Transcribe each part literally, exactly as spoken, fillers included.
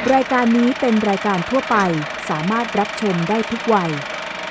รายการนี้เป็นรายการทั่วไปสามารถรับชมได้ทุกวัย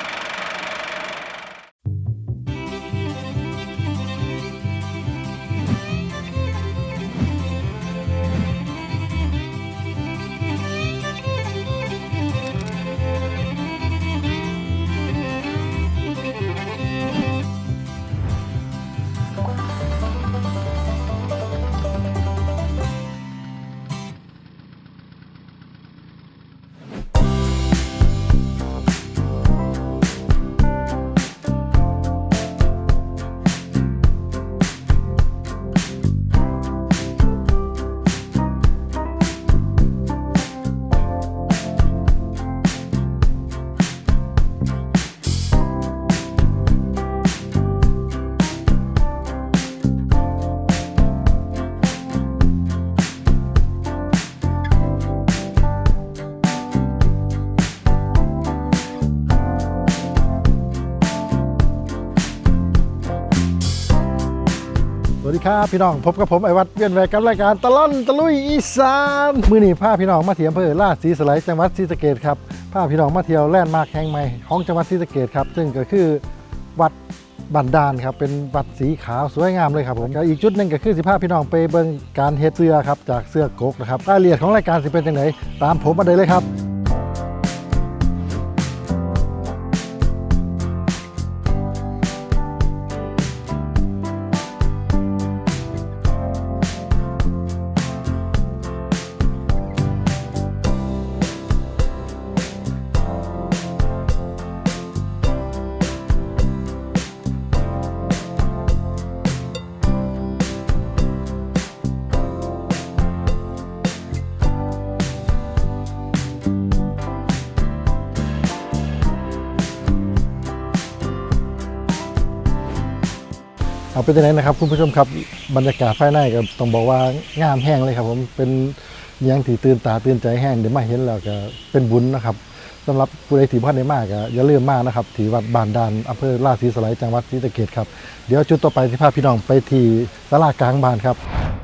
สวัสดีครับพี่น้องพบกับผมไอวัดเวียนแวกกับรายการตลอนตะลุยอีสานมื้อนี้พาพี่น้องมาเที่ยวอำเภอลาดศรีสไลจังหวัดศรีสะเกษครับพาพี่น้องมาเที่ยวแลนด์มาร์คแห่งใหม่ของจังหวัดศรีสะเกษครับซึ่งก็คือวัดบันดาลครับเป็นวัดสีขาวสวยงามเลยครับผมก็อีกจุดหนึ่งก็คือสิพาพี่น้องไปเบิ่งการเฮ็ดเสื้อครับจากเสื้อกกนะครับรายละเอียดของรายการสิเป็นจังไดตามผมมาได้เลยครับเอาเป็นยังไงนะครับคุณผู้ชมครับบรรยากาศภายในก็ต้องบอกว่างามแห้งเลยครับผมเป็นยังที่ตื่นตาตื่นใจแห้งเดี๋ยวมาเห็นแล้วก็เป็นบุญนะครับสำหรับผู้ใดที่พลาดได้มากก็อย่าลืมมากนะครับที่วัดบานดานอำเภอลาดศรีสไลจังหวัดศรีสะเกษครับเดี๋ยวจุดต่อไปที่พาพี่น้องไปที่ศาลากลางบ้านครับ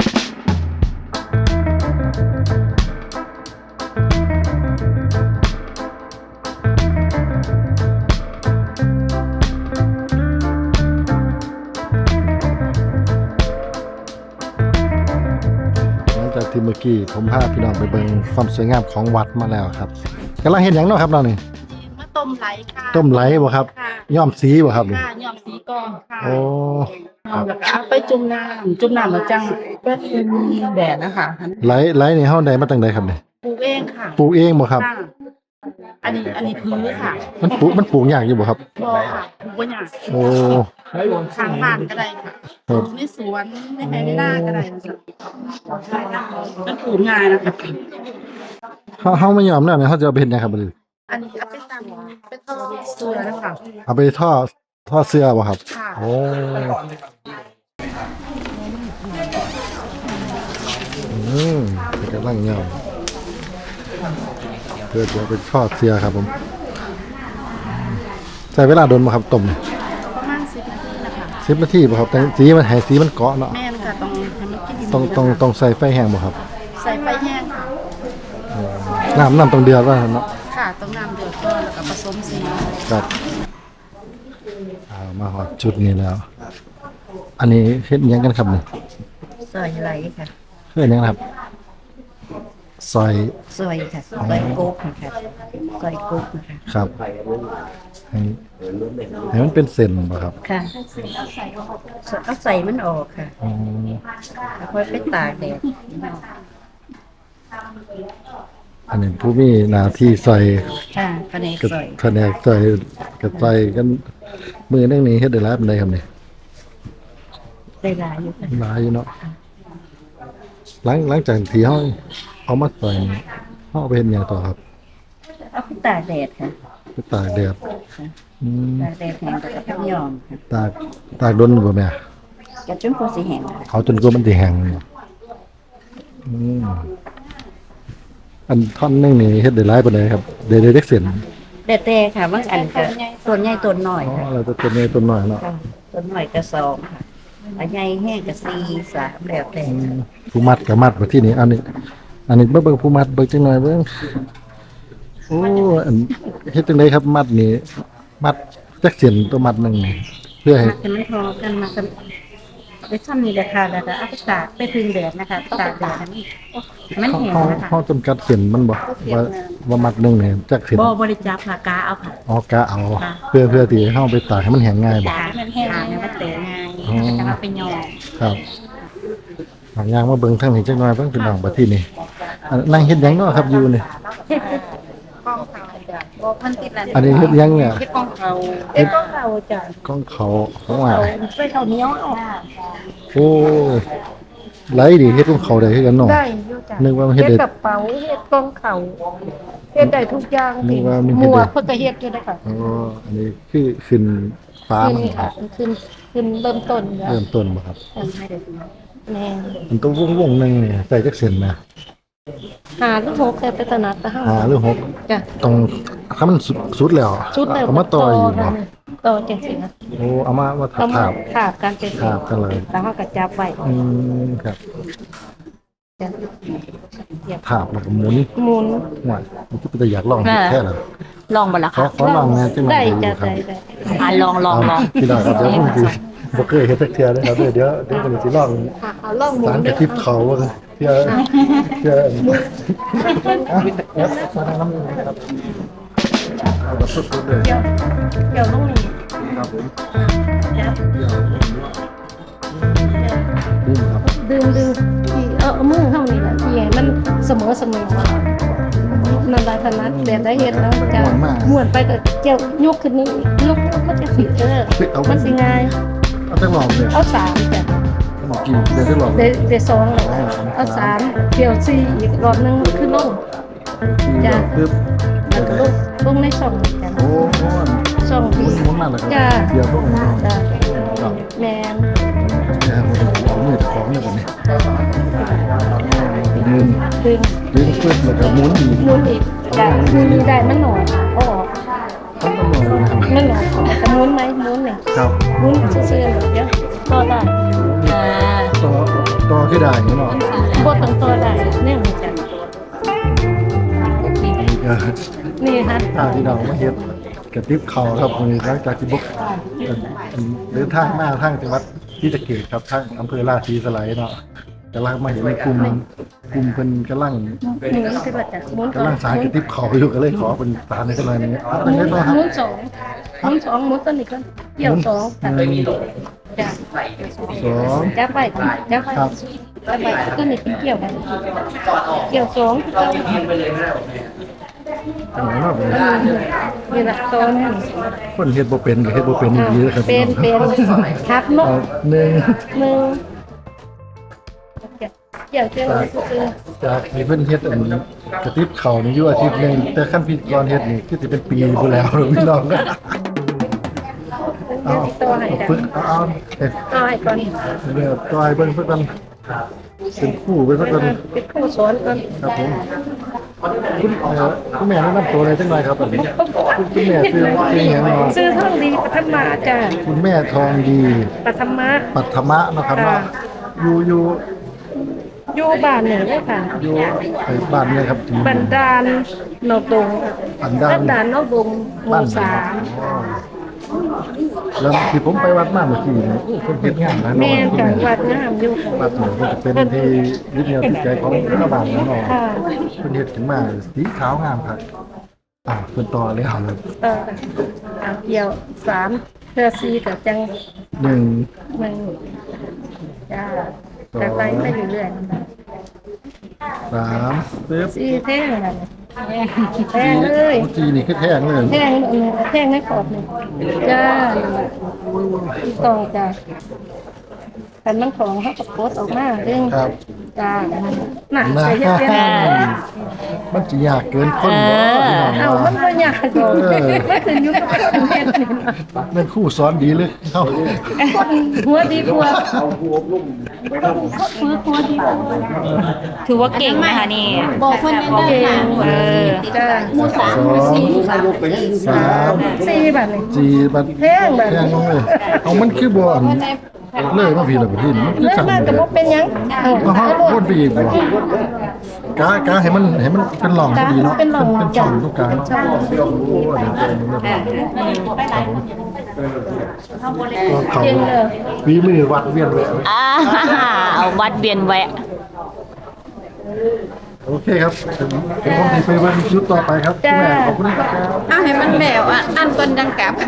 จากที่เมื่อกี้ผมพาพี่น้องไปเบิ่งความสวยงามของวัดมาแล้วครับกำลังเห็นอย่างเนาะครับเรานี่มาต้มไหลค่ะต้มไหลบ่ครับค่ะย้อมสีบ่ครับนี่ค่ะยอมสีกองค่ะโอ้เอาแล้วก็เอาไปจุ่มน้ำจุ่มน้ำแล้วจังเป็นแดดนะคะไหลไหลนี่เฮาได้มาตั้งใดครับนี่ปลูกเองค่ะปลูกเองบ่ครับค่ะอันนี้อันนี้พื้นค่ะมันปลูกมันปลูกยากอยู่บ่ครับบ่ค่ะปลูกว่าอย่างโอ้ทางบ้านก็ได้ค่ะปลูกในสวนในไร่ในนาก็ได้ค่ะมันปลูกง่ายนะคะเฮาเฮาไม่ยอมแล้วเนี่ยเฮาจะเอาไปเฮ็ดหยังครับบัดนี้อันนี้เอาไปตำไปทอดเสือนะคะเอาไปทอดทอดเสื้อบ่ครับค่ะโอ้อืมกำลังยอมเพื่อจะไปทอดเสื้อครับผมใช้เวลาโดนบ่ครับต้มประมาณสิบนาทีนะคะสิบนาทีบ่ครับแต่สีมันให้สีมันเกาะเนาะแม่นค่ะต้องให้มันกินต้องต้องต้องใส่ไฟแห้งบ่ครับใส่ไฟแห้งค่ะน้ำน้ำต้องเดือดว่าเนาะค่ะต้องน้ำเดือดก่อนแล้วก็ผสมสีครับเอามาหอดจุดนี้แล้ว อันนี้เฮ็ดหยังกันครับนี่ซอยไหลค่ะเฮ็ดหยังครับซอยซอยค่ะซอยกุ๊กนะคะซอยกุ๊กนะคะครับให้ให้มันเป็นเส้นบ่ครับค่ะเอาใส่มันออกค่ะอ๋อแล้วค่อยไปตากแดดอันนี้ผู้มีหน้าที่ซอยค่ะแผนกกับซอยแผนกซอยกับซอยกันมือนึงนี้เฮ็ดได้หลายปานใดครับนี่ได้หลายอยู่ค่ะหลายอยู่เนาะหลังหลังจากที่เฮาเอามาซอยนี่เฮาเอาไปเฮ็ดหยังต่อครับเอาไปตากแดดค่ะไปตากแดดค่ะอืมตากแดดแห้งแล้วก็ไปย้อมค่ะตากตากโดนบ่แม่กระจุนพอสิแห้งค่ะเอาจนกว่ามันสิแห้งเนาะอืมอันท่อนหนึงนี่เฮ็ดได้หลายปานใดครับได้ได้เด็กเส้นแดดแต่ค่ะบางอันก็ต้นใหญ่ต้นน้อยอ๋อค่ะเราจะต้นนี้ต้นน้อยเนาะค่ะต้นน้อยก็สองค่ะอันใหญ่แห้งก็สี่สามแล้วแต่อืมผู้มัดก็มัดมาที่นี่อันนี้อันนี้เบิ่งเบิ่งผู้มัดเบิ่งจังหน่อยเบิ่งโอ้อันเฮ็ดจังไดครับมัดนี่มัดจักเส้นตัวมัดหนึงนี่เพื่อให้มากันมันพอกันมากันไปซ่อมนี่แหละค่ะแล้วก็เอาไปตากไปพึ่งแดดนะคะตากแดดให้มันแห้งเฮานะคะเฮาจำกัดเส้นมันบ่ว่าว่ามัดหนึงนี่จักเส้นบ่บริจาคผักกาเอาค่ะอ๋อกะเอาเพื่อเพื่อที่ให้เฮาไปตากให้มันแห้งง่ายบ่ตากให้มันแห้งให้มันเตะง่ายอ๋อจะมาไปยอครับบางอย่างมาเบิ่งทางนี้จักหน่อยเบิ่งพี่น้องบัดทีนี้อันนั่งเฮ็ดหยังเนาะครับอยู่นี่กองเขาจ้ะบ่พันติดแล้วอันนี้เฮ็ดหยังเนี่ยเฮ็ดกองเขาเฮ็ดกองเขาจ้ะกล้องเขาของว่าเอาไปเขาเหนียวเอาโอ้ไหลดิเฮ็ดของเขาได้คือกันเนาะได้อยู่จ้ะนึกว่ามันเฮ็ดเฮ็ดได้กระเป๋าเฮ็ดกองเขาเฮ็ดได้ทุกอย่างนึกว่ามันหเฮ็มดได้วกเพิ่นก็เฮ็ดอยู่ได้ค่ะอ๋ออันนี้คือขึ้นฟ้าขึ้นมันนี่ค่ะขึ้นขึ้นเริ่มต้นอยู่แล้วเริ่มต้นบ่ครับแม่มันต้องวงๆหนึงนี่ใส่จักเส้นนะหาลูกหกแต่ไปตลาดตะห้าห้าหรือหกจ้ะต้องถ้ามันสุดสุดแล้วชุดแล้วเอามาต่ออยู่บ่ต่อจังซี่นะโอ้เอามาว่าเอามาถาบขาบกันเป็นถาบกันเลยแล้วเฮาก็จับไว้อืมครับจ้ะเหยียบถาบแล้วก็หมุนหมุนหวยมันก็จะอยากลองเฮ็ดแท้ล่ะลองบ่ละขอคะขอลองแหน่จังหน่อได้ยดูจ้ะครับได้ได้อ่ะลองลองลองพี่น้องครับเดี๋ยวผมสิบ่เคยเฮ็ดสักเทื่อนะครับเดี๋ยวเดี๋ยวเดี๋ยวผมสิลองค่ะเอาลองหมุสาน รกเด้ระอติบเขาว่าเทื่อเทื่ออ่ะเอฟสารน้ำมือครับเอาแบบสุดๆเลยเดี๋ยวเดี๋ยวลงนี่ครับผมจับเดี๋ยวดึงครับดึงดึงที่เอาเอามือเฮานี่แหละที่ให้มันเสมอเสมอนั่นล่ะถนัดแบบได้เฮ็ดแล้วจะม้วนไปก็เกี่ยวยกขึ้นนี่ยกมันจะสิเออมันสิง่ายเอาจังหวะเลยเอาสามจ้ะหมอกินเดี๋ยวจังหวะเลได้ยได้สองแล้วเอาสามเดี๋ยวสี่อีกรอบหนึงขึ้นลง จ้ะปึ๊บแล้วก็ลงลงในช่องนี่จ้ะโอ้โหช่องหมุที่นหมุนมาแล้วก็จ้ะเดี๋ยวพวกนี้จ้ะครับแม่นเดี๋ยวผมมือของเนี่ยก่อนเนี่ยดึงดึงดึงปึ๊บแล้วก็หมุนอีกหมุนอีกจ้ะหมุนนี่ได้มันหน่อยเอาออกต้องต้องหมุนนะครับมันหน่อยแต่หมุนไหมหมุนนี่ครับหมุนซื่อๆแบบเดียวต่อได้อ่าต่อต่อที่ได้เนาะบ่ต้องต่อได้เนี่ยมันจ้ะนี่ก็นี่ฮะทางที่เรามาเฮ็ดกระติบเขาครับมือหลังจากที่บุกเดินทางมาทางจังหวัดที่จะเกตครับทางอำเภอราชีสไลด์เนาะกำลังมาเห็นในกลุ่มกลุ่มเพิ่นกำลังหมุนคือว่าจ้ะหมุนกำลังสารกระติบเขาอยู่ก็เลยขอเป็นสารในกันเลยนี้ครับเป็นไงบ้างครับหมุนสองหมุนสองหมุนตัวนี้ก่อนเกี่ยวสองจ้ะจ้ะสองจับไปจับไปครับจับไปตัวนี้เป็นเกี่ยวกันเกี่ยวสองอันไหนเนาะนี่ละตัวนี้คนเฮ็ดบ่เป็นก็เฮ็ดบ่เป็นดีนะครับเป็นเป็นครับเนาะเอาหนึ่งหนึ่งเกี่ยวเกี่ยวซื่อจากที่เพิ่นเฮ็ดอันกระติบเขานี่อยู่อาทิตย์หนึงแต่ขั้นพิธีกรเฮ็ดนี่คือสิเป็นปีพุ่นแล้วพี่น้องก็ๆเดี๋ยวติดตัวให้เอาจ้ะฝึกเอาเอาเฮ็ดเอาให้ก่อนเดี๋ยวจอยเบิ่งเพิ่นกันเป็นคู่ไปเพิ่นกันเป็นผู้สอนก่อนครับผมคุณเอ่อคุณแม่แนะนำตัวเลยจังหน่อยครับอันนี้คุณคุณแม่ชื่อชื่อหยังเนาะซื้อท่องดีปฐมมาจ้ะคุณแม่ทองดีปฐมะปัทมะเนาะครับเนาะอยู่อยู่อยู่บ้านหนึ่งเลยค่ะอยู่ไอ้บ้านเนี่ยครับที่บันดาลนอกดงบันดาลบันดาลนอกดงหมู่สามอ๋อแล้วที่ผมไปวัดมาเมื่อกี้นี่โอ้เพิ่นเฮ็ดงานนะแม่เนาะนจังหวัดงามอยู่วัดนี่มันจะเป็นที่ยึดเหนี่ยวจิตใจของชาวบ้านเนาะค่ะเพิ่นเฮ็ดขึ้นมาสีขาวงามครับอ่าเพิ่นต่อเลยครับเอออ่ะเกี่ยวสามเพื่อซีกับจังหนึ่งหนึ่งจ้าจากไปไปเรื่อยสามปึ๊บๆซีแท่งอะไรแท่งเลยโอ้จีนี่คือแท่งเลยแท่งแท่งให้ขอบหนึ่งจ้าต่อจ้าแต่มันของเขากับโพสออกมาเรื่องครับจ้าน่ะนะใส่เยอะๆมันจะยากเกินคนบ่พี่น้องเอามันก็ยากดอกมันขึ้นอยู่กับคนเฮ็ดนี่นะเป็นครู่สอนดีเลยเข้าคนหัวดีกว่าคนฝึกหัวดีกว่าถือว่าเก่งนะคะนี่บอกคนยังได้เก่ค่ะงเออจ้าหมูสามสหอมูงสี่หมูสามสามสี่บาทเลยจีบัดแพงแบบแท่งลงเลยเอามันคือบ่อันเลยมาพี่ละบ่ทีมันคือเลิกสั่งมาเลกับยบ่เป็นหยังเอาเอาเอาเฮาโลวนดไปอีกบ่กากาให้มันให้มันเป็นหล่องพอดีเนาะเป็นหล่องเป็นช่องตรงกลางเนาะโอ้เดี๋ยวเจอเขาเย็นเลยวีมือวัดเวียนแหวะอ่าเอาวัดเวียนแวะโอเคครับเป็นผมที่ไปวันชุดต่อไปครับคุณแม่ขอบคุณครับเอาให้มันแล้วอ่ะอันก่อนดังกลับ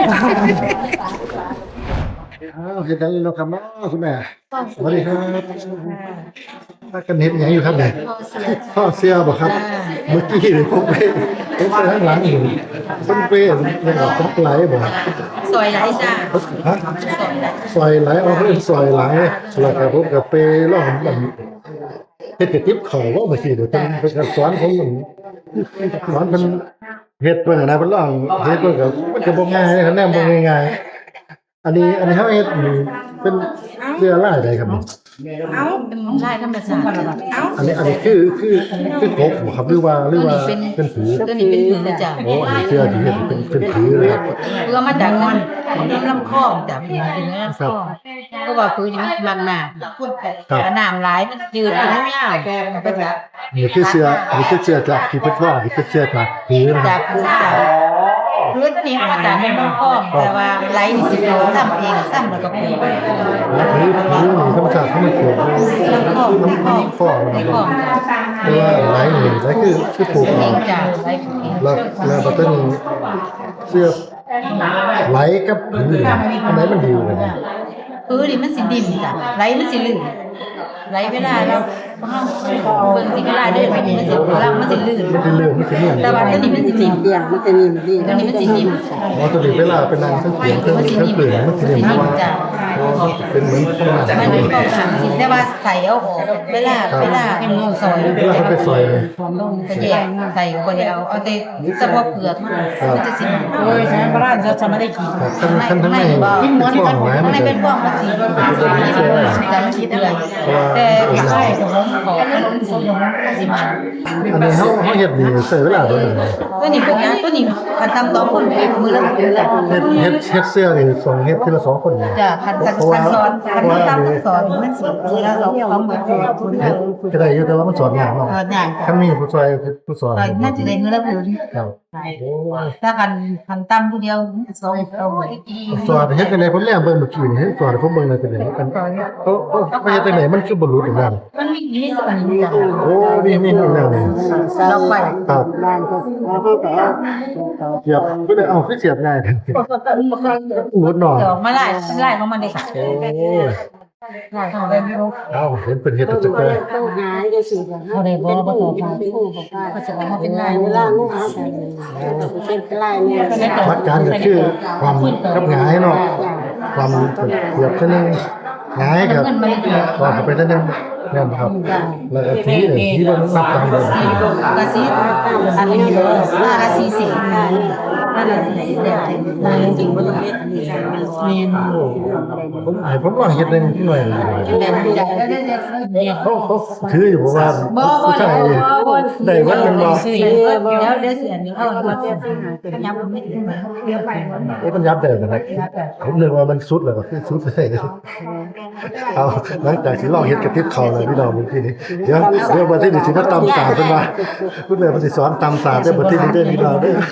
อ้าวเห็นได้แล้วครับเนาะคุณแม่สวัสดีครับถ้ากันเห็นยังอยู่ครับเนี่ยข้อเสียบ่ครับเมื่อกี้เลยผมไปผมไปข้างหลังอยู่ผมไปยังกับจักไหลบ่สวยไรจ้าฮะซอยไหลเอาเพิ่นซอยไหลแล้วก็ผมก็ไปร้องมันเฮ็ดกระติบเขาว่าเมื่อกี้เดี๋ยวเพิ่นเพิ่นสอนผมมันสอนเพิ่นเฮ็ดเพิ่นน่ะนะเพิ่นร้องเฮ็ดเพิ่นก็มันก็บ่ง่ายคะแนนบ่ง่ายๆอันนี้อันนี้เฮาเฮ็ดนี่เป็นเสื้อลายใดครับนี่เอาเป็นลายธรรมชาติเอาอันนี้อันนี้คือคือคือครบบ่ครับหรือว่าหรือว่าเป็นผือตัวนี้เป็นผืนจ้ะโอ้อันนี้เสื้อที่เฮ็ดเป็นเป็นผือเลยครับเพื่อมาจากมันน้ำลำคลองจ้ะเป็นน้ำลำคลองก็ว่าผืนนี้มันหนาแต่น้ำไหลมันยืดไม่ยาวไปแบบนี่คือเสื้ออันนี้คือเสื้อจากที่เพิ่นว่านี่คือเสื้อจากผือนะคจารักบผืนจากพื้นนี้มาจากน้ำลำคลองแต่ว่าไหลนี่สิโดนทำเองซ้ำแล้วก็ผืนแล้วผือผือนี่ธรรมชาติเขาไม่เกิดน้ำคลองน้ำคลองฟอกน้ำคลองเพราะว่าไหลนี่ไหลคือคือปลูกเอเอางจ้ะไหลผืนแล้วแล้วก็เป็นเสื้อไหลกับผืออันไหนมันดีกว่ากันพื้นนี่มันสิดิ่มจ้ะไหลมันสิลื่นไหลเวลาแล้วเบิ่งสิเวลาเดินไปนี่มันสิล่างมันสิลื่นมันจะเลื่อนมันจะเลื่อนแต่ว่าตัวนี้มันสิดิ่มเบี่ยงมันจะนิ่มดีตัวนี้มันสิดิ่มอ๋อตัวนี้เวลาเป็นนางเครื่องเสียงเครื่องเครื่องเปลือกมันจะเลื่อนเพราะว่าเป็นเหมือนข้างหน้ามันเป็นของขังสิแต่ว่าใส่เอาออกเวลาเวลาซอยเวลาเขาไปซอยเลยจะแยกใส่บ่ได้เอาเอาแต่เฉพาะเปลือกมันมันจะสิโอ้ยใช้พระราชจะไม่ได้กินครับขั้นขั้นทั้งในเป็นฟองไหมมันในจะเป็นพวกมันสิจะมันสิเดือยแต่ใช่ของของสิมันอันนี้เขาเขาเห็ดนี่ใส่เวลาเท่าไหร่ตัวนี้พวกนี้ตัวนี้คันทำต่อคนมือละมือละเฮ็ดเฮ็ดเฮ็ดเสื้อนี่ส่งเฮ็ดทีละสองคนเนี่ยจ้ะคันคันคันสอนคันมันทำสอนมันสิมือละเราเขาเหมือนคนเออก็ได้อยู่แต่ว่ามันสอนยากเนาะเออเนี่ยขั้นนี้ผู้ซอยผู้สอนน่าจะได้มือละมือครับโอ้ยถ้าคันคันตั้มผู้เดียวสองเอาสอนเฮ็ดจังได๋ผมแลเบิ่งเมื่อกี้นี่เฮ็ดสอนผมเบิ่งเลยเป็นจังได๋กันเขาเขาไปเฮ็ดจังได๋มันคือบ่รู้อีกแล้วมันมีนี่สักนิดจ้ะโอ้นี่นี่นี่แล้วนี่เราไปครับบ้านก็แล้วก็แต่เสียบบ่ได้เอาคือเสียบง่ายหมดหน่อเดี๋ยวมาไล่ไล่ของมันเลยค่ะโอ้ยไล่ของมันเอ้าเห็นเป็นเฮ็ดจังได๋ต้องหายก็สิค่ะเขาได้บ่บ่ต่อไปก็จะมาเป็นลายเวลาลูกหาเป็นลายเนี่ยหลักการก็คือความกับหงายเนาะความเสียบซะนึงหงายกับก็เข้าไปซะนึงนั่นครับแล้วก็ทีนี่ทีมันนับตามเลยกระสีอันนี้ว่ากระสีสีนั่นแหละเนี่ยจริงๆว่าต้องเฮ็ดนี่เมนผมให้ผมลองเฮ็ดหนึงหน่อยแม่นจ้ะเนี่ยเขาเขาถืออยู่เพราะว่าผู้ชายได้วัดมันบ่เดี๋ยวเดี๋ยวเสียนเอาอันนี้ย้ำไม่ถึงเดี๋ยวไปเอ้ยมันยับได้นะครับผมนึกว่ามันสุดแล้วก็คือสุดเลยเอาหลังจากที่ลองเฮ็ดกระติบเขาเลยพี่น้องเมื่อกี้นี้เดี๋ยวเดี๋ยวมาที่นี่สิมาตำตาเพิ่นว่าเพิ่นเลยมาสิสอนตำตาได้บ่ที่นี่ได้พี่น้องเด้อ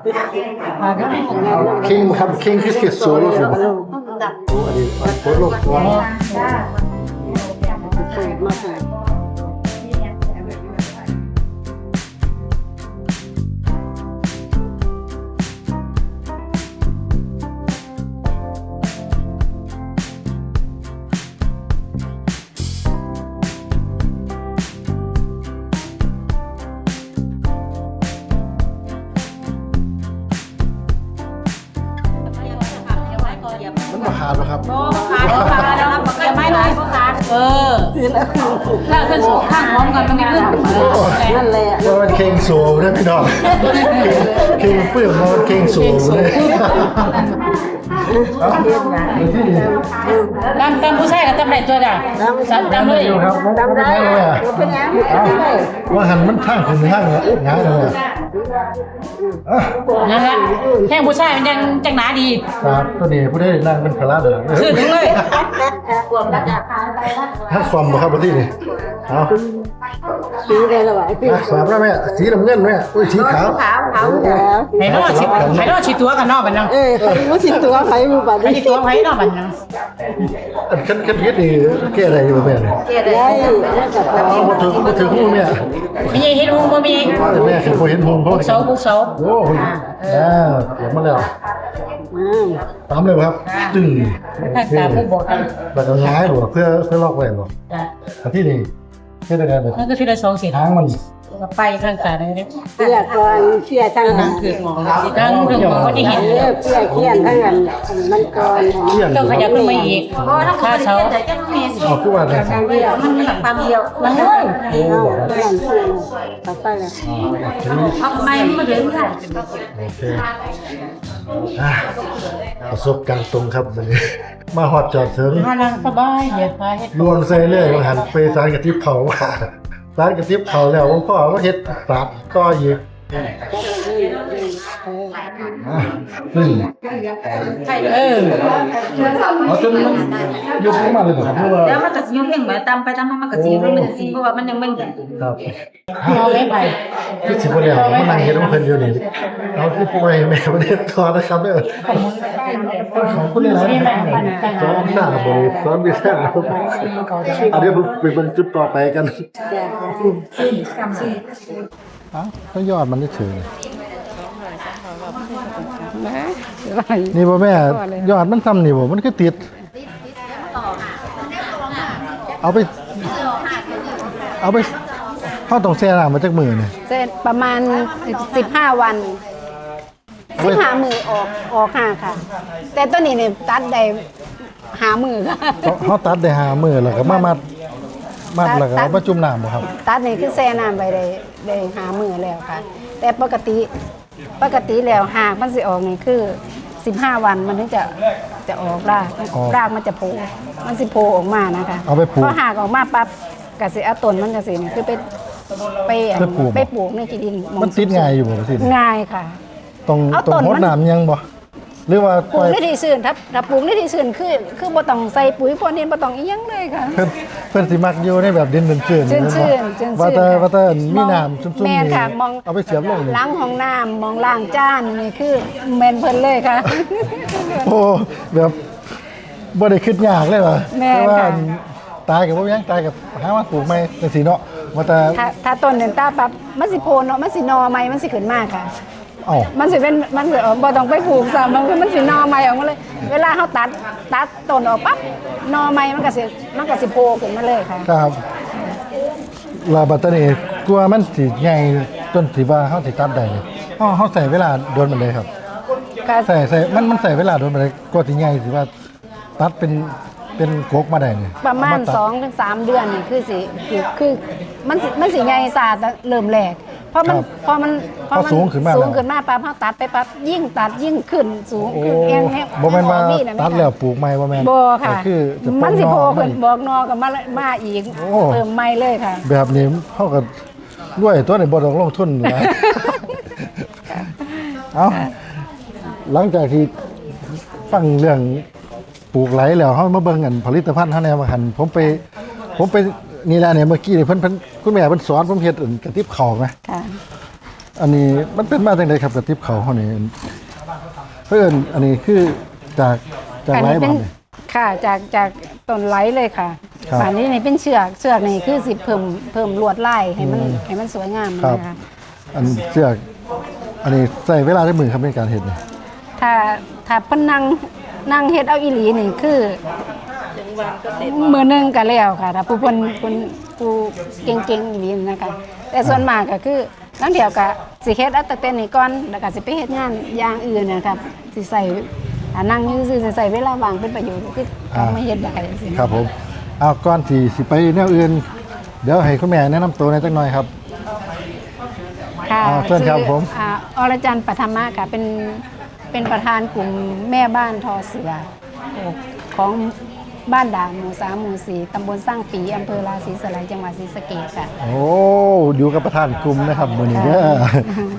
คิงครับคิงคือสิโซโล่สิบ่โอ้อันนี้โคตรโลกตัวมาใส่มันบ่ขาดบ่ครับขาดขาดแล้วครับอย่าไม่เลยขาดเออถ้าขึ้นข้างพร้อมกันมันไม่ขึ้นนั่นแหละว่ามันเคิงโซเด้อพี่น้องเคิงเปลือกมันเคิงโซเลยเอาเดี๋ยวที่นี่ตามตามผู้ชายก็ตามได้ตัวจ้ะตามเลยอยู่ครับมันไม่ได้เลยอ่ะว่าหันมันทางขึ้นทางละงายเลยอ่ะนั่นละแห้งผู้ชายมันยังจังหนาดีครับตัวนี้ผู้ได้นั่งเป็นคาราเด้อคือถึงเลยถ้าความบ่ครับที่นี่เอาสีอะไรล่ะวะอ่ะสามแล้วแม่สีน้ำเงินแม่อุ้ยสีขาวขาวขาวขาวไหนนอชิไหนนอชิตัวกันนอกบันนังเออใครรู้สิตัวใครรู้บัตรใครชิตัวไว้นอกบันนังอันคันคันเฮ็ดนี่แก้อะไรอยู่แม่เนี่ยได้แล้วกับเอาบ่ถึงบ่ถึงหูแม่มีเห็นหูบ่มีแต่แม่คือบ่เห็นหูเพราะเสาบุกเสาโอ้โหอ่าเดี๋ยวมาแล้วอืมตามเลยครับตึ้งถ้าตาผู้บอกกันแล้วก็ย้ายบ่เพื่อเพื่อล็อกไว้บ่จ้ะอันที่นี่เฮ็ดได้ไงแบบนั่นก็ทีละสองสิทางมันไปข้างตาเลยเนี่ยเพื่อก่อนเชื่อทั้งนั่นั้งนคือหมอนั่งถึงหมอที่เห็นเออเพื่อเขียนทั้งนั้นมันก่อนเที่ยงต้องขยับขึ้นมาอีกค่าเสาอ๋อคือว่าไงทางเดียวมันมีความเดียวมันเลยโอ้บอกเพื่อนเพื่อนต่อไปเลยทำไมไม่ถึงค่ะโอเคอ่ะประสบการณ์ตรงครับวันนี้มาฮอดจอดถึงมานั่งสบายเหยียดขาเฮ็ดลวงใส่เลยว่าหันไปสารกระติบเขาว่าสารกระติบเขาแล้วผมพ่อก็เฮ็ดปรับก็อีกอ่ะซึ่งเออเอาจนมันยุบลงมาเลยบ่ครับเพราะว่าแล้วมันก็สิยุ่งเพ่งเหมือนตามไปตามมามันก็สิยุ่งมันสิเพราะว่ามันยังไม่ครับเอาเล็บไปคือสิบ่แล้วมานั่งเฮ็ดของเพิ่นอยู่นี่เอาคือป่วยแม่บ่ได้ตอนนะครับเด้อขอบคุณหลายๆสอนหน้าบ่สอนวิชาครับอ่ะเดี๋ยวไปเบิ่งจุดต่อไปกันอ้าวก็ยอดมันเฉยนะนี่บ่แม่ยอดมันซ้ำนี่บ่มันคือติด เอาไป เอาไปเฮาต้องแช่น้ำมาจักมื้อนี่เสร็จประมาณสิบห้าวันสิบห้ามือออกออกห้าค่ะ แต่ตัวนี้เนี่ยตัดได้หามือค่ะเฮาตัดได้ห้ามื้อแล้วก็มามัดมัดแล้วก็เอามาจุ่มน้ำบ่ครับตัดนี่คือแช่น้ำไปได้ได้หามือแล้วค่ะ แต่ปกติปกติแล้วหากมันสิออกนี่คือสิบห้าวันมันถึงจะจะออกรากออกรากมันจะโผล่มันสิโผล่ออกมานะคะเอาไปปลูกพอหากออกมาปั๊บกสิเอาต้นมันกสินี่คือไปไปอันไปปลูกไปปลูกในที่ดินหอมันติดง่ายอยู่บ่สิง่ายค่ะตรงเอาตรต้งนหดมันน้ำยังบ่หรือว่าปลูปล่กอยในที่ซื่นถ้าถ้าปลูกในที่ซื่นคือคือบ่ต้องใส่ปุ๋ยพวกนี้บ่ต้องอีหยังเลยค่ะเพิ่นเพิ่นสิมักอยู่ในแบบดินชื้นๆชื้นบ่ชื้นชื้นว่าแต่ค่ะว่าแต่มีน้ำชุ่มๆแม่นนี่ค่ะมองเอาไปเสียบลงนี่ล้างห้องน้ำมองล้างจานนี่คือแม่นเพิ่นเลยค่ะโอ้แบบบ่ได้คิดยากเลยว่ะแม่นแต่ว่าค่ะตายกับบ่ยังตายกับหาว่าปลูกใหม่จังซี่เนาะว่าแต่ถ้าถ้าต้นเดินตาปั๊บมันสิโพนเนาะมันสิหนอใหม่มันสิขึ้นมาค่ะเอ้ามันสิเป็นมันสิเออบ่ต้องไปปลูกซ้ำมันคือมันสิหนอใหม่ออกมาเลย เวลาเฮาตัดตัดต้นออกปั๊บหนอใหม่มันก็สิมันก็สิโผล่ขึ้นมาเลยค่ะครับลาบัดตานี้กลัวมันสิใหญ่จนสิว่าเฮาสิตัดได้นี่เฮาเฮาใส่เวลาโดนมันเลยครับก็ใส่ใส่มันมันใส่เวลาโดนมันเลยกว่าสิใหญ่สิว่าตัดเป็นเป็นโกกมาได้นี่ประมาณเอตัดสองถึงสามเดือนนี่คือสิคือคือมันสิมันสิใหญ่ซาแต่เริ่มแรกเพราะมันครับเพราะมันพอสูงขึ้นมาสูแล้งวขึ้นมาปั๊บเฮาตัดไปปั๊บยิ่งตัดยิ่งขึ้นสูงโอ้ขึ้นเองแฮะบ่แม่นว่าออกะตัดแล้วปลูกใหม่บ่แม่นบ่ค่ะก็คือจะมันสิโผล่ขึ้นปลูกบอกนอกับมามาอีกโอ้เติมใหม่เลยค่ะแบบนี้เฮาก็รวยตัวนี้บ่ต้องลงทุนนะ เอาหลังจากที่ฟังเรื่องปลูกไหลแล้วเฮามาเบิ่งกันผลิตภัณฑ์เฮาแนวว่าหั่นผมไปผมไปนี่แหละเนี่ยเมื่อกี้นี่เพิ่นเพิ่นคุณแม่เพิ่นสอนผมเฮ็ดอันกระติบข้าวไหมค่ะอันนี้มันเป็นมาจังไดครับกระติบข้าวเฮานี่เพิ่นอันนี้คือจากจากอันไหลนี้บ่เป็นนี่ค่ะจากจากต้นไหลเลยค่ะครับอันนี้นี่เป็นเชือกเชือกนี่คือสิเพิ่มเพิ่มลวดลายให้มันให้มันสวยงามครับนะคะอันเชือกอันนี้ใส่เวลาได้มือครับในการเฮ็ดนี่ถ้าถ้าเพิ่นนั่งนั่งเฮ็ดเอาอีหลีนี่คือมือหนึงก็แล้วค่ะถ้าผู้เพิ่นเพิ่นผู้เก่งๆอีหลีนะคะ แต่ส่วนมากก็คือนั่นเดียวก็สิเฮ็ดเอาแต่เต้นนี่ก่อนแล้วก็สิไปเฮ็ดงานอย่างอื่นนะครับสิใส่ถ้านั่งอยู่ซื่อๆสิใส่เวลาว่างเป็นประโยชน์คือเอามาเฮ็ดได้จังซี่ครับผมเอาก่อนที่สิไปแนวอื่น เดี๋ยวให้คุณแม่แนะนำตัวหน่อยจักหน่อยครับค่ะอ่าเชิญครับผมอ่าอรจันทร์ปัทมาค่ะเป็นเป็นประธานกลุ่มแม่บ้านทอเสือของบ้านด่านหมู่สามหมู่สี่ตำบลสร้างปีอำเภอราศีสไลยจังหวัดศรีสะเกษค่ะโอ้อยู่กับประธานกลุ่มนะครับมื้อนี้เด้อ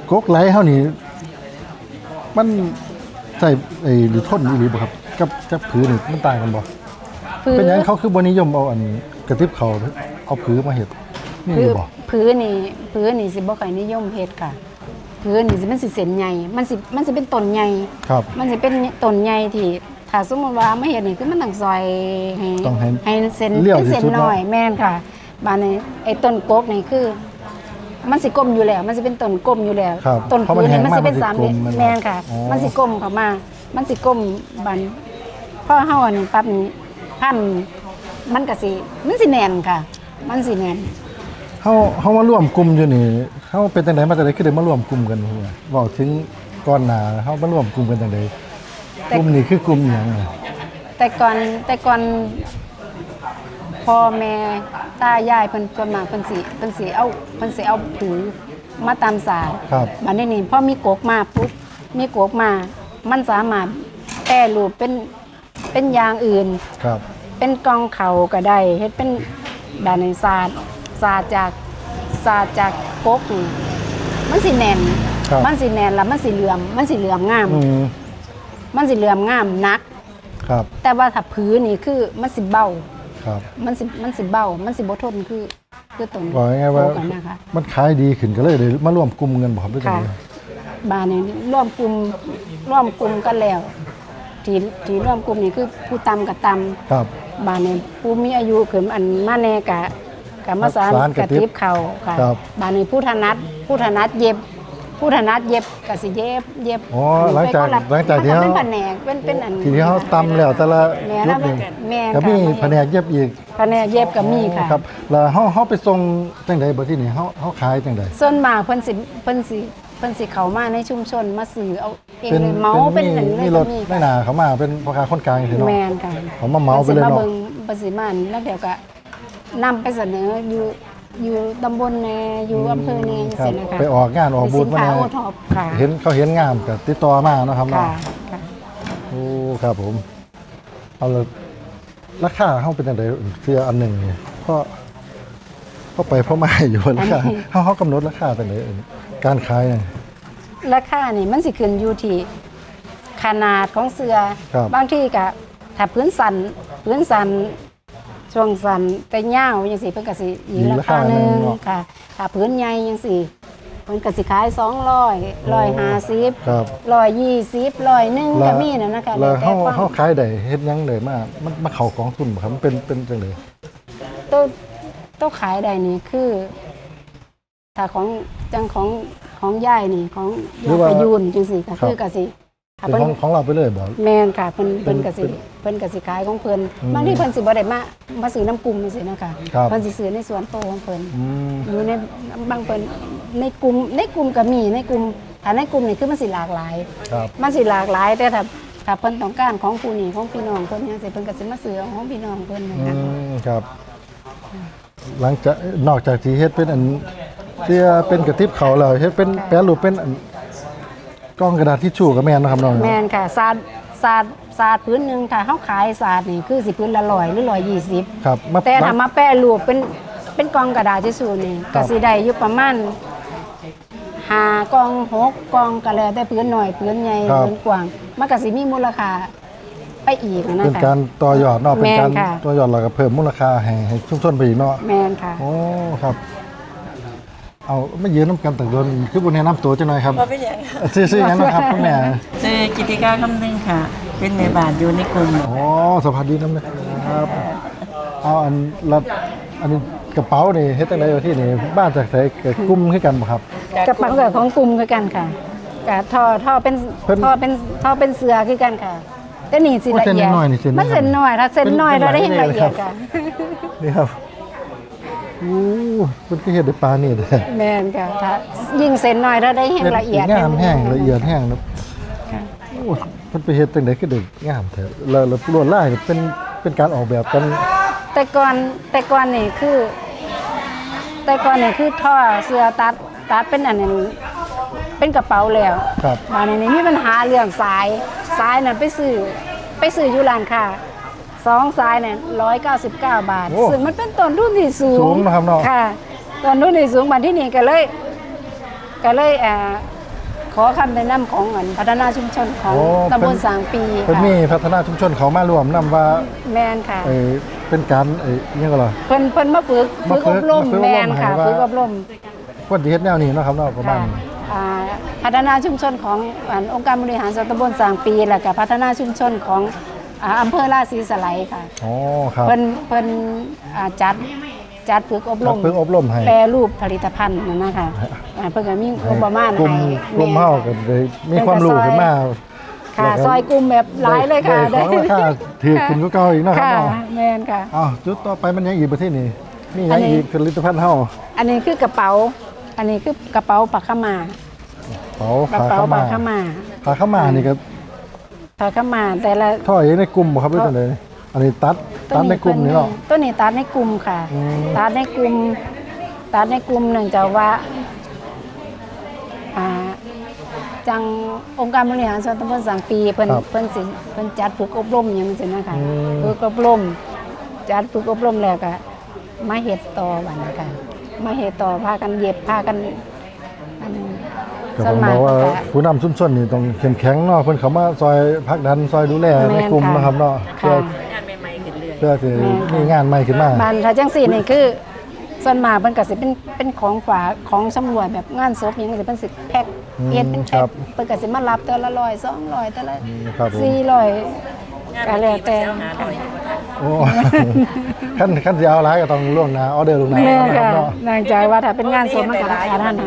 กกไหลเฮานี่มันใส่ไอ้หรือทนอีหลีบ่ครับกับกับผือนี่มันต่างกันบ่พื้เป็นหยังเขาคือบ่นิยมเอาอันกระติบเขาเอาผือมาเฮ็ดนี่พื้บ่พื้นี่พื้นี่สิบ่ค่อยนิยมเฮ็ดค่ะพื้นี่สิมันสิเส้นใหญ่มันสิมันสิเป็นต้นใหญ่ครับมันสิเป็นต้นใหญ่ที่ถ้าสมมุติว่ามาเฮ็ดนี่คือมันต้องซอยให้ต้องให้ให้เส้นเลี่ยวเป็นที่เส้นสุดเนอะน้อยแม่นค่ะบานนี้ไอ้ต้นกกนี่คือ มันสิกลมอยู่แล้ว มันสิเป็นต้นกลมอยู่แล้วครับต้นเพราะมันพื้นแห้นี่งมันสิเป็นมากสามมันสิเหลี่ยมกลมมันแม่นค่ะอ๋อมันสิกลมเข้ามา มันสิกลมบันพอเฮาอันนี้ปั๊บนี่พันมันก็สิมันสิแน่นค่ะ มันสิแน่นเฮาเฮามาร่วมกลุ่มอยู่นี่เฮาเป็นจังไดมาจังไดคือได้มาร่วมกลุ่มกันหัวเว้าถึงก่อนหน้าเฮามาร่วมกลุ่มกันจังไดกลุ่มนี้คือกลุ่มหยังน่ะแต่ก่อนแต่ก่อนพ่อแม่ตายายเพิ่นส่วนมากเพิ่นสิเพิ่นสิเอาเพิ่นสิเอาผือมาตามสารครับบัดนี้นี่พอมีกกมาปุ๊บมีกกมา มันสามารถแปรรูปเป็นเป็นอย่างอื่นครับเป็นกองเขาก็ได้เฮ็ดเป็นด้านในศาสตร์ศาสตร์จากศาสตร์จากกกนี่มันสิแน่นครับมันสิแน่นแล้วมันสิเหลื่อมมันสิเหลื่อมงามอืมมันสิเหลื่อมงามนักครับแต่ว่าถ้าพื้นนี่คือมันสิเบาครับมันสิมันสิเบา มันสิบ่ทนคือคือต้นบอกง่ายๆว่าโกกันนะคะมันขายดีขึ้นก็เลยได้มาร่วมกลุ่มกันบ่ครับหรือจังค่ะไดบ้านนี้ร่วมกลุ่มร่วมกลุ่มกันแล้ว ที่ที่ร่วมกลุ่มนี่คือผู้ตำกับตำครับบ้านนี้ผู้มีอายุขึ้นอันมาแน่กะกะมาสานสานกกระระติบติบเขาค่ะครับบ้านนี้ผู้ถนัดผู้ถนัดเย็บ ผู้ถนัดเย็บกะสิเย็บเย็บอ๋อหลังจากไปนละหลังจากที่มันเฮาเป็นแผนกเป็นเป็นอันทีนี้เฮาตำแล้วแต่ละแม่ยุแล้วคนี่แม่ก็มีค่ะแผนกเย็บอีกแผนกเย็บก็มีค่ะครับแล้วเฮาเฮาไปส่งจังไดบ่ที่นี่เฮาเฮาขายจังไดส่วนมากเพิ่นสิเพิ่นสิเพิ่นสิเข้ามาในชุมชนมาซื้อเอาเองเลยเมาเป็นหนึ่งเลยมีรก็ถมีไม่นาเขามาเป็นพ่อค้าคนกลางสิเนาะแมนค่ะเขามาเมาไปเลยเนาะพิ่นสิมาเบิ่งเพิ่นสิมาแล้วเดี๋ยวก็นำไปเสนออยู่อยู่ตำบลแน่อยู่อำเภอแน่จังครับซี่นะคะไปออกงานออกบูธเป็นสินค้ามาโอแน่ท็อปค่ะเห็นเขาเห็นงามก็ติดต่อมาเนาะครับค่ะเนาะค่ะโอ้ครับผมเอาละราคาเฮาเป็นจังไดเสื้ออันหนึงนี่เพราะเข้าไปเพราะมาอยู่ราคาเฮาเฮากำหนดราคาจังไดการขายเนี่ยราคานี่มันสิขึ้นอยู่ที่ขนาดของเสื้อครับบางที่ก็ถ้าพื้นสันพื้นสันช่วงสันแต่ยาวจังซี่เพิ่นก็สิอีกราคาหนึงค่ะ ถ้าพื้นใหญ่จังซี่เพิ่นก็สิขายสองร้อย หนึ่งร้อยห้าสิบครับร้อยยี่สิบร้อยหนึ่งก็มีนะนะคะแล้วแต่เฮาความเฮาขายได้เฮ็ดหยังได้มามันมาเข้ากองทุนบ่ครับมันเป็นเป็นจังไดตัวตัวขายได้นี่คือ ถ้าของจังของของยายนี่ของยายประยูนจังซี่ก็คือก็สิถ้าเป็นเพิ่นของของเราไปเลยบ่แม่นค่ะเพิ่นเพิ่นก็สิเป็นเพิ่นก็สิขายของเพิ่นอืมบางทีเพิ่นสิบ่ได้มามาซื้อน้ำกลุ่มจังซี่นะคะครับเพิ่นสิซื้อในสวนโตของเพิ่นอืมอยู่ในบางเพิ่นในกลุ่มในกลุ่มก็มีในกลุ่มถ้าในกลุ่มนี่คือมันสิหลากหลายครับมันสิหลากหลายแต่ถ้าถ้าเพิ่นต้องการของผู้นี่ของพี่น้องเพิ่นจังซี่เพิ่นก็สิมาซื้อของพี่น้องเพิ่นนะอืคะมครับ หลังจากนอกจากที่เฮ็ดเป็นอันเสื้อเป็นกระติบเขาแล้วเฮ็ดเป็นแปรรูปเป็นอันกล้องกระดาษทิชชู่ก็แม่นนะครับน้องแม่นค่ะศาสตร์ศาสตร์ศาสตร์พื้นหนึงถ้าเฮาขายศาสตร์นี่คือสิพื้นละร้อยหรือร้อยยี่สิบครับมาแต่ถ้ามาแปรรูปเป็นเป็นกล่องกระดาษทิชชู่นี่ครัก็บสิได้อยู่ประมาณห้ากล่องหกกล่องก็แล้วแต่พื้นหน่อยพื้นใหญ่พื้นกว้างมันก็สิมีมูลค่าไปอีกนะเป็นคะการต่อยอดเนาะเป็นการแม่นค่ะต่อยอดแล้วก็เพิ่มมูลค่าให้ให้ชุมชนไปอีกเนาะแม่นค่ะโอ้ครับ เอาไม่ยืนน้ำกันแต่โดนคือบ่แนะนำตัวจังหน่อยครับบ่เป็นหยังค่ะชื่อชื่อหยังนะครับคุณแม่ชื่อกิติการคำนึงค่ะ เป็นแม่บ้านอยู่ในกลุ่มอ๋อสวัสดีน้ำนะครับเอาอันละอันนี้กระเป๋านี่เฮ็ดจังไดอยู่ที่นี่บ้านจากไสเกิดกลุ่มคือกันบ่ครับกระเป๋ากับของกลุ่มคือกันค่ะกับท่อท่อเป็นเพิ่นท่อเป็นท่อเป็นเสือคือกันค่ะแต่นี่สิโอ้ละเส้นเอียดน้อยๆนี่เส้นมันเส้นน้อยถ้าเส้นน้อยเป็นเราได้เป็นเห็นหลายละเอียดเลยครัค่ะบ นี่ครับอู้มันก็เฮ็ดด้วยปลานี่เด้อแม่นค่ะถ้ายิ่งเส้นน้อยเราได้เห็นละเอียดงามแห้งละเอียดแห้งนะค่ะโอ้มันไปเฮ็ดจังได๋คือได้งามแท้แล้วแล้วลวดลายนี่เป็นเป็นการออกแบบกันแต่ก่อนแต่ก่อนนี่คือ แต่ก่อนนี่คือท่อเสือตัดตัดเป็นอันนั้นเป็นกระเป๋าแล้วครับมาในนี้มีปัญหาเรื่องสายสายน่ะไปซื้อไปซื้ออยู่ร้านค้าสองสายเนี่ยร้อยเก้าสิบเก้าบาทโอ้ซึ่งมันเป็นต้นทุนที่สูงสูงนะครับเนาะค่ะต้นทุนที่สูงบัดที่นี่ก็เลยก็เลยเอ่อขอคำแนะนำของอันพัฒนาชุมชนของโอ้ตำบลสางปีเพิ่นค่ะมีพัฒนาชุมชนเขามารวมนำว่าแมนค่ะเอ่อเป็นการเอ่ออิหยังก็ล่ะเพิ่นเพิ่นมาฝึกมาฝึกฝึอก บรมมาฝึกอบรมแมนค่ะให้ว่าฝึกอบรมคนที่เฮ็ดแนวนี้เนาะครับเนาะประมาณค่ะนี้อ่าพัฒนาชุมชนของอันองค์การบริหารส่วนตำบลสางปีแล้วก็พัฒนาชุมชนของอ่าอำเภอราศีสไลยค่ะอ๋อครับเพิ่นเพิ่นอ่าจัดจัดฝึกอบรมฝึกอบรมให้แปรรูปผลิตภัณฑ์นั่นนะคะอ่าเพิ่นก็มีงบประมาณกลุ่มให้กลุ่มแเฮาก็ได้มีความรู้ขึ้นมาค่ะแล้วก็ซอยกลุ่มแบบหลายเลยค่ะได้ของราคาถือขึ้นกว่าเก่าอีกเนาะครับค่ะเนาะแม่นค่ะอ้าวจุดต่อไปมันยังอีกประเทศนี้มีหอัยังนนี้อีกผลิตภัณฑ์เฮาอันนี้คือกระเป๋า อันนี้คือกระเป๋าปักขาวหมากเป๋ากระผ้าเป๋าขาวปัมากขาวหมากผ้าขาวมานี่ก็ปักขาวหมากแต่ละท่ออยู่ในกลุ่มบ่ครับหรือจังได๋อันนี้ตัดตัดในกลุ่มนี่เนาะตัวนี้ตัดในกลุ่มค่ะอืมตัดในกลุ่มตัดในกลุ่มเนื่องจากว่าอ่าจังองค์การบริหารส่วนตำบลสังปีเพิ่นเพิ่นสิเพิ่นจัดฝึกอบรมอย่างนี้สินะคะฝึกอบรมจัดฝึกอบรมแล้วก็มาเฮ็ดต่อวันนี้ค่ะมาเฮ็ดต่อพากันเย็บพากันอันก็ต้องบอกว่าผู้นำชุมชนนี่ต้องเข้มแข็งเนาะเพิ่นเข้ามาซอยผลักดันซอยดูแลในกลุ่มนะครับเนาะเพื่อค่ะเพื่อที่มีงานใหม่ขึ้นมาบ้านถ้าจังซี่นี่คือส่วนมากเพิ่นก็สิเป็นเป็นของฝากของสำรวจแบบงานศพหยังสิเพิ่นสิแพ็คอืมเฮ็ดเป็นคแพ็รัคบเพิ่นก็สิมารับแต่ละร้อยสองร้อยแต่ละอืมครับผมสี่ร้อยก็แล้วแต่ค่ะโอ้ ขั้นขั้นสิเอาหลายก็ต้องล่วงหน้าออเดอร์ล่วงหน้าแม่นะครัค่ะบเนาะนางใจว่าถ้าเป็นงานศพมันก็ราคาเท่านั้น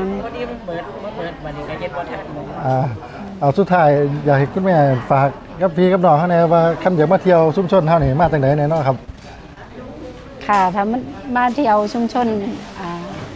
อ่าเอาสุดท้ายอยากให้คุณแม่ฝากกับพี่กับน้องเฮาแหน่ว่าคันอยากมาเที่ยวชุมชนเฮานี่มาจังได๋แน่เนาะครับค่ะถ้ามันมาเที่ยวชุมชนอ่า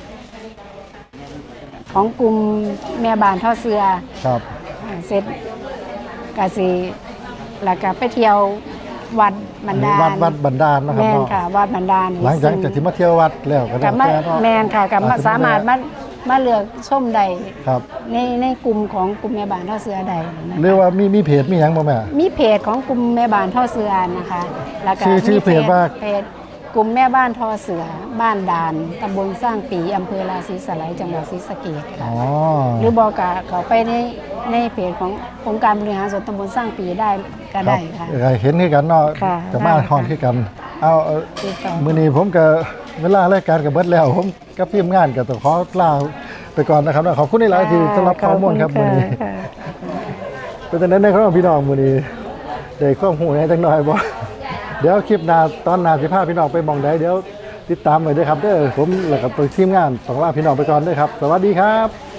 ของกลุ่มแม่บ้านท่อเสือครับอ่าเสร็จก็สิแล้วก็ไปเที่ยววัดบันดาลวัดวัดบันดาลเนาะครับแม่นเนาะค่ะวัดบันดาลหลังจากจากที่มาเที่ยววัดแล้วก็ได้กับมาแต่เนาะแม่นค่ะกับมาอ่สามารถมามาเลือกชมใดครับในในกลุ่มของกลุ่มแม่บ้านท่อเสือใดนะคะหรือว่ามีมีเพจมีหยังบ่แม่มีเพจของกลุ่มแม่บ้านท่อเสือนะคะแล้วก็ชื่อชื่อมีเพจว่าเพจกลุ่มแม่บ้านท่อเสือบ้านดานตำบลสร้างปีอำเภอราศีสไลยจังหวัดศรีสะเกษค่ะอ๋อหรือบอกกะเขาไปในในเพจขององค์การบริหารส่วนตำบลสร้างปีได้ก็ได้ค่ะเออเห็นคือกันเนาะค่ะจะมาได้ค่ะฮอนคือกัน เอาเอาติดต่อมื้อนี้ผมก็เวลารายการก็เบิดแล้ว ผมกับทีมงานก็ต้องขอลาไปก่อนนะครับขอบคุณหลายๆที่สำหรับข้อมูลครับมื้อนี้ค่ะเป็นจังได๋ในครับพี่น้องมื้อนี้ได้ความรู้ให้จังหน่อยบ่ เดี๋ยวคลิปหน้าตอนหน้าสิพาพี่น้องไปหม่องใดเดี๋ยวติดตามไว้เด้อครับเด้อผมแล้วก็ทีมงานต้องลาพี่น้องไปก่อนเด้อครับ สวัสดีครับ